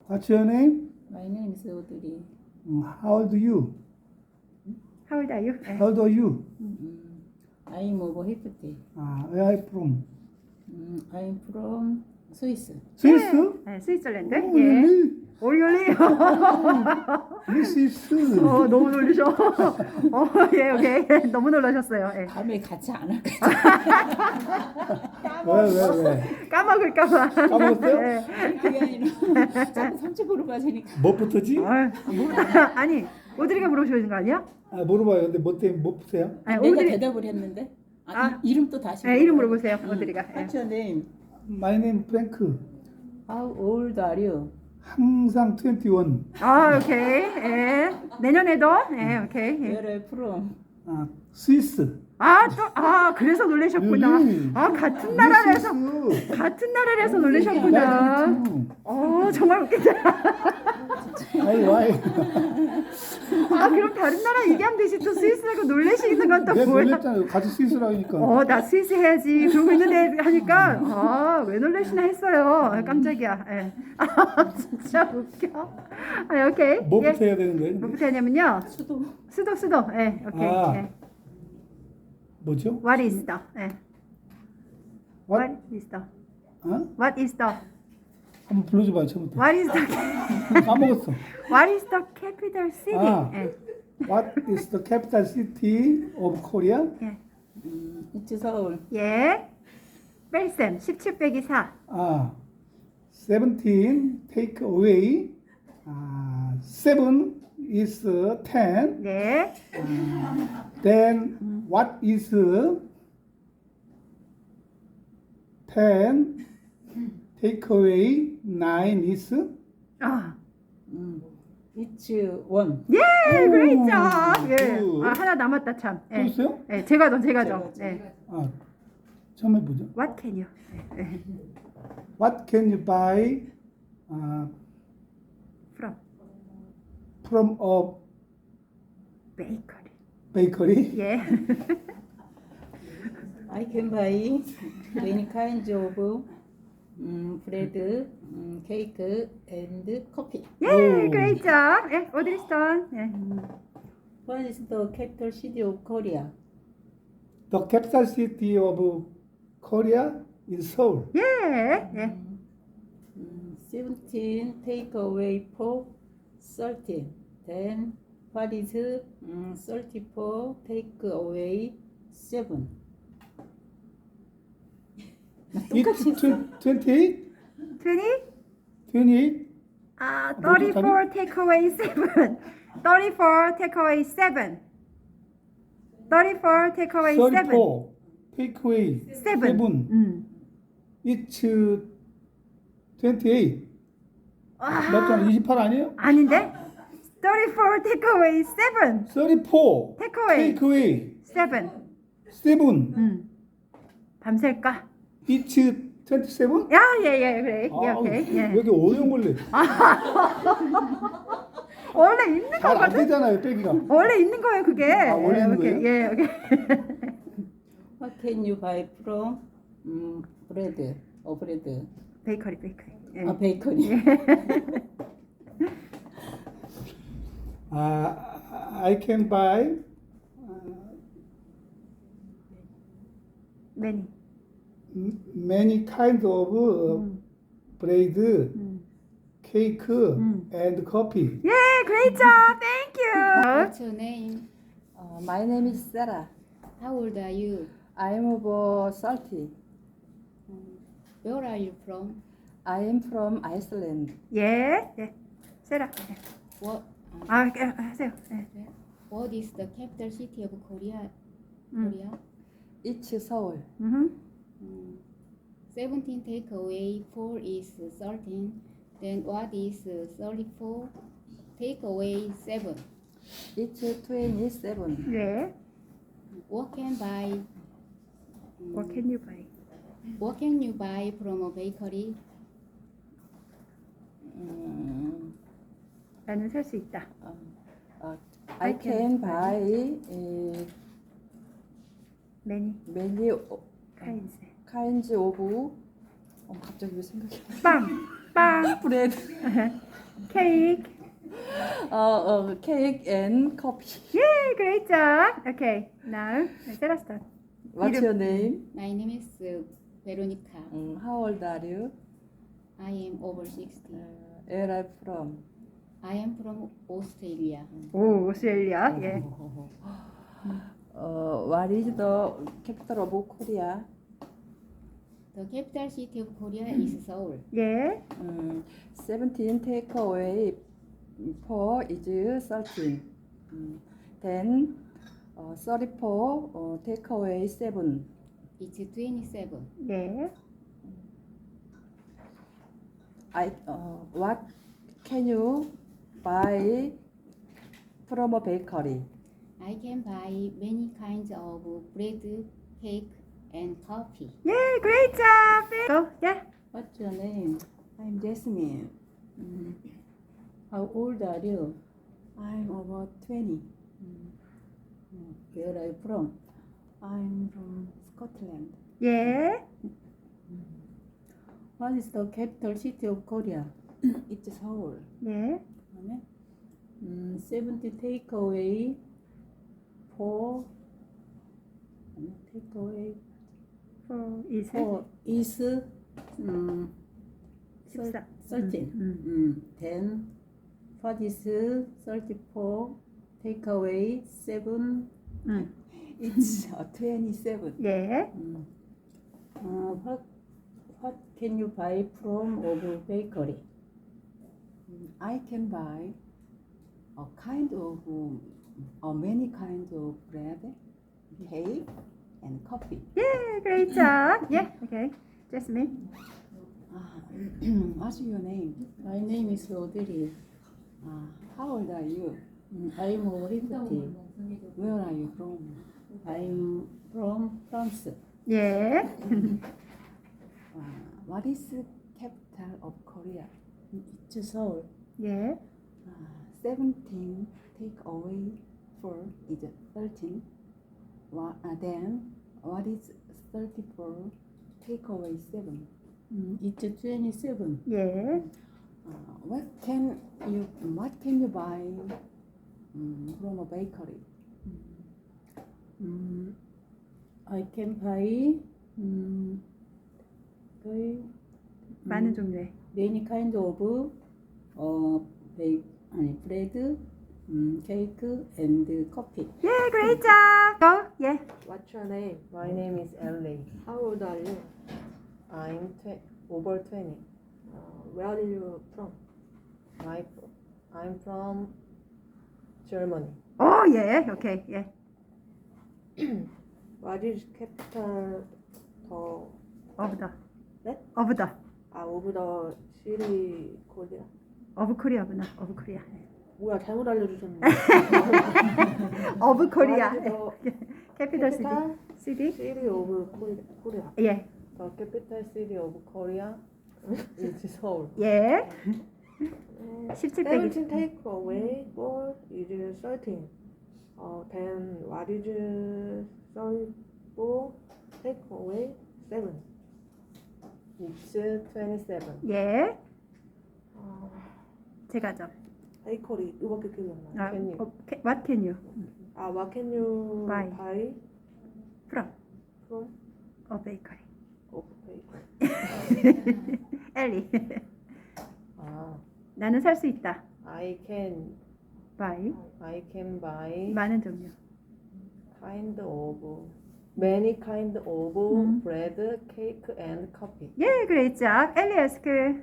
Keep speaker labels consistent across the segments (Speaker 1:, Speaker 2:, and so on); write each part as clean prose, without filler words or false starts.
Speaker 1: What's your name?
Speaker 2: My name is Audrey.
Speaker 1: How old are you?
Speaker 3: How old are you? 네.
Speaker 1: How old are you?
Speaker 2: I'm over 50.
Speaker 1: Where are you from?
Speaker 2: I'm from Swiss.
Speaker 1: 스위스?
Speaker 3: 네, 스위스랜드.
Speaker 1: 오,
Speaker 3: 예.
Speaker 1: really?
Speaker 3: 올리올리.
Speaker 1: 스위스.
Speaker 3: 너무 놀리셔. 예, 오케이. 너무 놀라셨어요. 예.
Speaker 2: 밤에 같이 안 할까?
Speaker 1: 왜?
Speaker 3: 까먹을까봐.
Speaker 1: 까먹었어요?
Speaker 3: 예.
Speaker 2: 아니 그게 아니라 자꾸 삼촌으로 빠지니까.
Speaker 1: 뭐부터지?
Speaker 3: 아니, 오드리가 물어보시는 거 아니야?
Speaker 1: 물어봐요. 근데 뭐 때문에 뭐 푸세요?
Speaker 3: 아니,
Speaker 2: 내가
Speaker 3: 오드리.
Speaker 2: 대답을 했는데. 이름 또 다시.
Speaker 3: 네, 이름 물어보세요. 오드리가. 예.
Speaker 2: What's your name?
Speaker 1: My name Frank.
Speaker 2: How old are you?
Speaker 1: 항상 21.
Speaker 3: 오케이. 예. 내년에도. 예, 오케이. 예.
Speaker 2: Where are you from?
Speaker 1: 스위스.
Speaker 3: 그래서 놀라셨구나.
Speaker 1: really?
Speaker 3: 같은 나라에서
Speaker 1: 스위스.
Speaker 3: 같은 나라에서 놀라셨구나. 정말 웃기다.
Speaker 1: 와이.
Speaker 3: 그럼 다른 나라 얘기하면 되지. 또 스위스라고 놀라시는 건 또
Speaker 1: 내가
Speaker 3: 뭐야?
Speaker 1: 놀랬잖아요. 같이 스위스라고 하니까.
Speaker 3: 나 스위스 해야지. 그러고 있는데 하니까 왜 놀라시나 했어요. 깜짝이야. 예. 진짜 웃겨. 오케이.
Speaker 1: 뭐부터 해야 되는 거예요?
Speaker 3: 뭐부터 하냐면요. 수도. 예, 오케이. 예.
Speaker 1: 뭐죠?
Speaker 3: What is the? 예.
Speaker 1: What?
Speaker 3: What is the?
Speaker 1: 어?
Speaker 3: What is the?
Speaker 1: 한번 불러줘봐요. 처음부터.
Speaker 3: What is the?
Speaker 1: 까먹었어.
Speaker 3: What is the capital city? 예.
Speaker 1: What is the capital city of Korea?
Speaker 3: 예.
Speaker 2: It's 서울.
Speaker 3: 예. 뺄셈 17 빼기 4.
Speaker 1: 17 take away. 7 is 10.
Speaker 3: 네.
Speaker 1: Then what is 10 take away 9 is?
Speaker 2: It's 1.
Speaker 3: 예, 그레이트. 예.
Speaker 1: 굿.
Speaker 3: 하나 남았다 참.
Speaker 1: 또
Speaker 3: 예.
Speaker 1: 있어요?
Speaker 3: 예, 제가 좀. 예.
Speaker 1: 처음 해보죠.
Speaker 3: What can you? 예.
Speaker 1: What can you buy
Speaker 3: From
Speaker 1: from a
Speaker 3: bakery.
Speaker 1: bakery?
Speaker 3: 예.
Speaker 2: I can buy many kinds of bread, cake, and coffee.
Speaker 3: 예,
Speaker 1: 오.
Speaker 3: 그레이트. 예, 오드리 스톤. 예.
Speaker 2: What is the capital city of Korea?
Speaker 1: The capital city of Korea is Seoul.
Speaker 3: 예. 예.
Speaker 2: 17 take away 4, 13. Then what is 34 take away 7? 똑같이
Speaker 1: It's
Speaker 2: 했어.
Speaker 1: 28?
Speaker 3: 20?
Speaker 1: 28?
Speaker 3: 34 take away 7. 34 take away 7. 34 take away 7.
Speaker 1: 34 take away 7. It's 28. 맞잖아. 28 아니에요?
Speaker 3: 아닌데? 34 take away 7.
Speaker 1: 34
Speaker 3: Take away.
Speaker 1: take away
Speaker 3: 7.
Speaker 1: 7.
Speaker 3: 밤샐까?
Speaker 1: It's 27?
Speaker 3: 예, 그래. 예, 오케이. 예.
Speaker 1: 여기 어려운 걸래.
Speaker 3: 원래 있는
Speaker 1: 잘 안
Speaker 3: 거거든?
Speaker 1: 되잖아요, 빼기가.
Speaker 3: 원래 있는 거예요, 그게.
Speaker 1: 원래 있는
Speaker 3: 오케이.
Speaker 1: 거예요?
Speaker 3: 예, 오케이.
Speaker 2: What can you buy from bread? bread.
Speaker 3: 베이커리. 예.
Speaker 2: 베이커리.
Speaker 1: I can buy many kinds of bread, cake, and coffee.
Speaker 3: 예, great job. Thank you.
Speaker 4: What's your name?
Speaker 2: My name is Sarah.
Speaker 4: How old are you?
Speaker 2: I'm over 30.
Speaker 4: Where are you from?
Speaker 2: I am from Iceland.
Speaker 3: 예. 세라.
Speaker 4: What?
Speaker 3: 하세요. 예.
Speaker 4: What is the capital city of Korea? Korea?
Speaker 2: It's Seoul.
Speaker 4: 17 take away 4 is 13. Then what is 34? Take away 7.
Speaker 2: It's 27.
Speaker 3: 예.
Speaker 4: What can buy?
Speaker 3: What can you buy?
Speaker 4: What can you buy from a bakery?
Speaker 3: 나는 살 수 있다.
Speaker 2: I can buy
Speaker 3: Many
Speaker 2: many
Speaker 3: kinds.
Speaker 2: kinds of 갑자기 왜 생각이
Speaker 3: 빵.
Speaker 2: 브레드
Speaker 3: Cake.
Speaker 5: Cake and coffee.
Speaker 3: Yay, great job. Okay, now Sarah start.
Speaker 5: What's your name?
Speaker 4: My name is Veronica.
Speaker 5: How old are you?
Speaker 4: I am over 60.
Speaker 5: Where are you from?
Speaker 4: I am from Australia.
Speaker 3: 오, 오스트레일리아. 예.
Speaker 5: What is the capital of Korea?
Speaker 4: The capital city of Korea is Seoul.
Speaker 3: 예.
Speaker 5: 17 take away 4 is 13. Then 34 take away 7.
Speaker 4: It's 27.
Speaker 3: 예.
Speaker 5: What can you buy from a bakery?
Speaker 4: I can buy many kinds of bread, cake, and coffee.
Speaker 3: 예, great job. Go. Yeah.
Speaker 2: What's your name?
Speaker 5: I'm Jasmine.
Speaker 2: How old are you?
Speaker 5: I'm over 20.
Speaker 2: Where are you from?
Speaker 5: I'm from Scotland.
Speaker 3: 예.
Speaker 2: What is the capital city of Korea?
Speaker 5: It's Seoul.
Speaker 3: 예.
Speaker 2: 그다음에 70 take away 4 take away
Speaker 3: is
Speaker 2: 4 is
Speaker 3: 14.
Speaker 2: 13. Then what is 34 take away 7?
Speaker 5: It's 27.
Speaker 3: 예.
Speaker 2: What can you buy from of bakery?
Speaker 5: I can buy a kind of many kinds of bread, cake, and coffee.
Speaker 3: 예, great job. Yeah. Okay. Jasmine.
Speaker 5: What's your name?
Speaker 2: My name is Audrey.
Speaker 5: How old are you?
Speaker 2: I'm over 50.
Speaker 5: Where are you from?
Speaker 2: I'm from France.
Speaker 3: 예.
Speaker 5: What is the capital of Korea?
Speaker 2: It's Seoul.
Speaker 3: 예.
Speaker 5: 17 take away 4 is 13. Then what is 34 take away 7?
Speaker 2: It's 27.
Speaker 3: 예.
Speaker 5: What can you buy from a bakery?
Speaker 2: I can buy
Speaker 3: 많은 종류의.
Speaker 2: many kind of bread, cake, and coffee.
Speaker 3: 예, great job. Go. 예.
Speaker 6: What's your name? My name is Ellie. How old are you? I'm over 20. Where are you from? I'm from Germany.
Speaker 3: 오, 예. 오케이. 예.
Speaker 6: What is capital
Speaker 3: Of the.
Speaker 6: 네?
Speaker 3: Of the.
Speaker 6: of the city Korea?
Speaker 3: Of Korea구나. Of Korea.
Speaker 6: 뭐야 잘못 알려주셨네.
Speaker 3: Of Korea.
Speaker 6: What is
Speaker 3: Capital
Speaker 6: capital
Speaker 3: city.
Speaker 6: city of Korea?
Speaker 3: 예.
Speaker 6: The capital city of Korea is Seoul.
Speaker 3: 예. 17 빼기.
Speaker 6: 17 take away 4 is 13. Then what is 34 take away 7? It's 27.
Speaker 3: 예. 제가 좀.
Speaker 6: 베이커리 이거밖에 기억이 안 나.
Speaker 3: 아,
Speaker 6: Can you?
Speaker 3: what can you?
Speaker 6: What can you
Speaker 3: Buy.
Speaker 6: buy
Speaker 3: From
Speaker 6: from
Speaker 3: a bakery.
Speaker 6: of bakery?
Speaker 3: 엘리.
Speaker 6: 아,
Speaker 3: 나는 살 수 있다.
Speaker 6: I can buy
Speaker 3: 많은 종류.
Speaker 6: many kind of
Speaker 3: 음.
Speaker 6: bread, cake, and coffee.
Speaker 3: 예, great job. 엘리 에스크.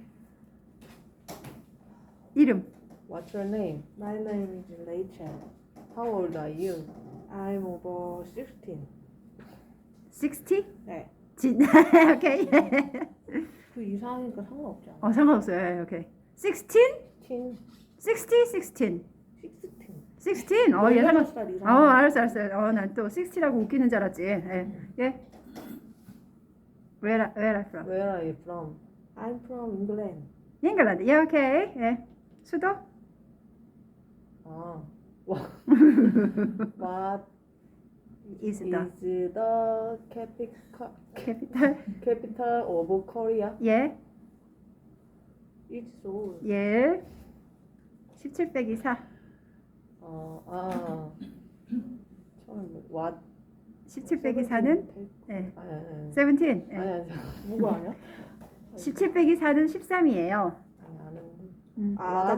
Speaker 3: 이름.
Speaker 6: What's your name? My name is Rachel. How old are you? I'm over 16.
Speaker 3: 60?
Speaker 6: 네.
Speaker 3: 진. 오케이.
Speaker 6: 그 이상하니까 상관없지 않아?
Speaker 3: 상관없어요. 예, 오케이. 16?
Speaker 6: 16.
Speaker 3: 60, 16.
Speaker 6: 16.
Speaker 3: 16. 예, 상관.
Speaker 6: 18살 이상.
Speaker 3: 알았어. 난 또 60라고 웃기는 줄 알았지. 예. 예. Where are you from?
Speaker 6: Where are you from? I'm from England.
Speaker 3: 잉글랜드. 예, 오케이. 예. 수도?
Speaker 6: 아. What
Speaker 3: is
Speaker 6: is
Speaker 3: the
Speaker 6: the
Speaker 3: capital?
Speaker 6: capital of Korea?
Speaker 3: 예.
Speaker 6: each soul.
Speaker 3: 예. 17 빼기 4.
Speaker 6: 처음에 what?
Speaker 3: 17 빼기 4는 예.
Speaker 6: 아니.
Speaker 3: 17. 예.
Speaker 6: 아니. 누구 아니야?
Speaker 3: 17 빼기 4는 13이에요.
Speaker 6: 아니 아는데.
Speaker 3: 음.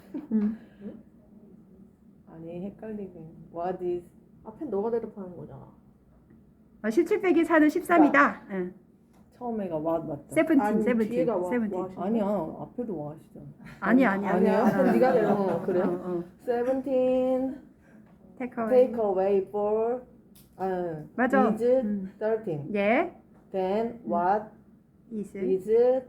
Speaker 6: 아니 헷갈리게. What is? 앞에 너가 대답하는 거잖아.
Speaker 3: 17 빼기 4는 13이다. 예.
Speaker 6: 처음에가 what 맞죠?
Speaker 3: 17,
Speaker 6: 아니,
Speaker 3: 17,
Speaker 6: 뒤에가 what,
Speaker 3: 17.
Speaker 6: what. 아니야 앞에도 what이잖아.
Speaker 3: 아니야.
Speaker 6: 아니야. 앞에 네가 대답. 그래? 17
Speaker 3: Take away.
Speaker 6: take away for
Speaker 3: 맞아.
Speaker 6: is 13.
Speaker 3: 예.
Speaker 6: Then what
Speaker 3: is.
Speaker 6: is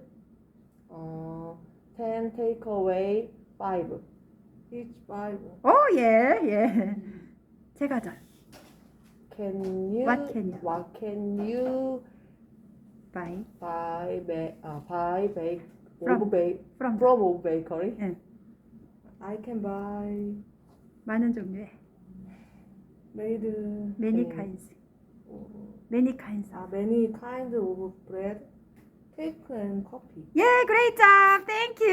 Speaker 6: 10 take away 5. Each 5.
Speaker 3: 오, 예. 예. 제가전.
Speaker 6: What can you
Speaker 3: By.
Speaker 6: buy bake
Speaker 3: From. From.
Speaker 6: from of bakery?
Speaker 3: 예.
Speaker 6: I can buy
Speaker 3: 많은 종류의.
Speaker 6: made
Speaker 3: Many kinds. Many kinds.
Speaker 6: many kinds of bread, cake and coffee.
Speaker 3: 예, great job. Thank you.